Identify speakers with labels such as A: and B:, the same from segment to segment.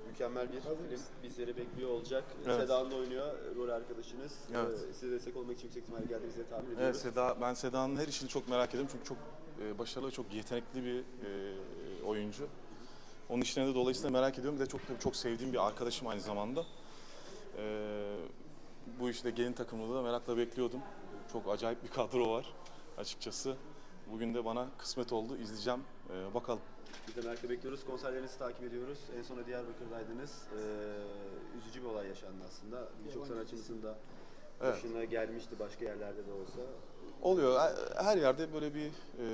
A: mükemmel bir film bizleri bekliyor olacak.
B: Evet.
A: Seda'nın oynuyor, rol arkadaşınız.
B: Evet.
A: Size destek olmak için yüksek ihtimalle geldiğinizi tahmin ediyoruz.
B: Evet, ben Seda'nın her işini çok merak ediyorum çünkü çok başarılı, çok yetenekli bir oyuncu. Onun işine de dolayısıyla merak ediyorum. Bir de çok sevdiğim bir arkadaşım aynı zamanda. Bu işte gelin takımını da merakla bekliyordum. Çok acayip bir kadro var açıkçası. Bugün de bana kısmet oldu. İzleyeceğim. Bakalım.
A: Biz de merakla bekliyoruz. Konserlerinizi takip ediyoruz. En sona Diyarbakır'daydınız. Üzücü bir olay yaşandı aslında. Birçok sanatçımızın da başına gelmişti başka yerlerde de olsa.
B: Oluyor. Her yerde böyle bir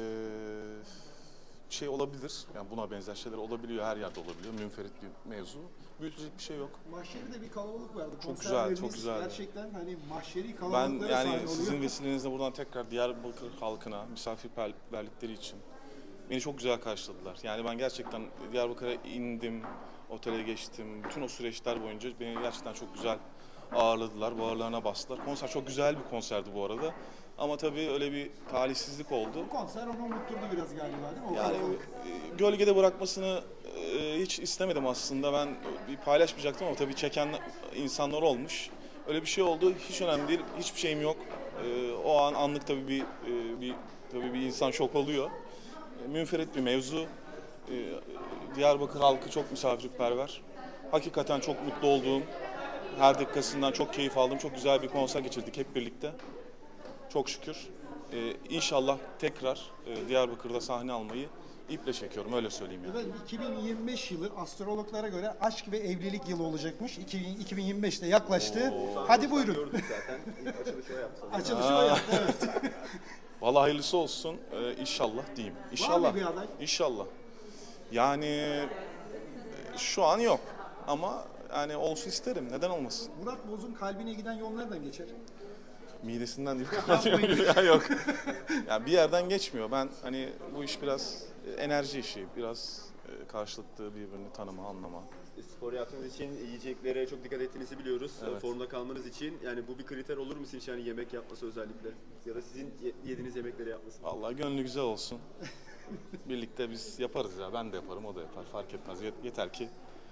B: şey olabilir. Yani buna benzer şeyler olabiliyor. Her yerde olabiliyor. Münferit bir mevzu. Büyütecek bir şey yok.
C: Mahşeride bir kalabalık vardı.
B: Çok güzel, çok güzel.
C: Gerçekten hani mahşeri
B: Ben
C: kalabalıklara
B: yani
C: sahne oluyor.
B: sizin vesilenizle buradan tekrar Diyarbakır halkına misafirperverlikleri için beni çok güzel karşıladılar. Yani ben gerçekten Diyarbakır'a indim, otele geçtim. Bütün o süreçler boyunca beni gerçekten çok güzel ağırladılar, bağırlarına bastılar. Konser çok güzel bir konserdi bu arada. Ama tabii öyle bir talihsizlik oldu.
C: Bu konser onu unutturdu biraz galiba değil mi? O
B: Yani
C: kalabalık.
B: gölgede bırakmasını hiç istemedim aslında. Ben bir paylaşmayacaktım ama tabii çeken insanlar olmuş. Öyle bir şey oldu. Hiç önemli değil. Hiçbir şeyim yok. O an anlık tabii bir insan şok oluyor. Münferit bir mevzu. Diyarbakır halkı çok misafirperver. Hakikaten çok mutlu olduğum, her dakikasından çok keyif aldığım, çok güzel bir konser geçirdik hep birlikte. Çok şükür. İnşallah tekrar Diyarbakır'da sahne almayı iple çekiyorum, öyle söyleyeyim yani.
C: Efendim 2025 yılı astrologlara göre aşk ve evlilik yılı olacakmış. 2025'te yaklaştı. Hadi buyurun.
A: Gördük zaten. İlk açılışı o yaptı sanırım.
C: Açılışı o yaptı, evet.
B: Vallahi hayırlısı olsun, inşallah diyeyim.
C: Var
B: İnşallah.
C: mı bir aday?
B: İnşallah. Yani şu an yok ama yani olsun isterim, neden olmasın?
C: Murat Boz'un kalbine giden yol nereden geçer?
B: Midesinden değil mi? Ya yok. Yani bir yerden geçmiyor. Ben hani bu iş biraz enerji işi, biraz karşılıklı birbirini tanıma, anlama.
A: Spor yaptığınız için yiyeceklere çok dikkat ettiğinizi biliyoruz.
B: Evet.
A: Formda kalmanız için. Yani bu bir kriter olur mu sizin için? Yani yemek yapması özellikle. Ya da sizin yediğiniz yemekleri yapması.
B: Vallahi gönlü güzel olsun. Birlikte biz yaparız ya. Ben de yaparım, o da yapar. Fark etmez. Yeter ki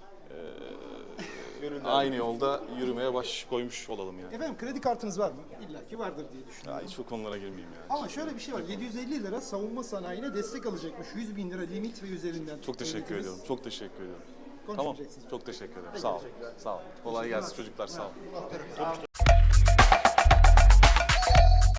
B: aynı yolda yürümeye baş koymuş olalım yani.
C: Efendim kredi kartınız var mı? İlla ki vardır diye düşünüyorum.
B: Ya hiç bu konulara girmeyeyim yani.
C: Ama şöyle bir şey var. 750 lira savunma sanayine destek alacakmış. 100 bin lira limit ve üzerinden.
B: Çok teşekkür
C: devletimiz
B: ediyorum. Çok teşekkür ediyorum. Tamam.
C: konuşacaksınız.
B: Çok teşekkür ederim. Sağ ol. Sağ ol. Kolay gelsin çocuklar. Sağ ol.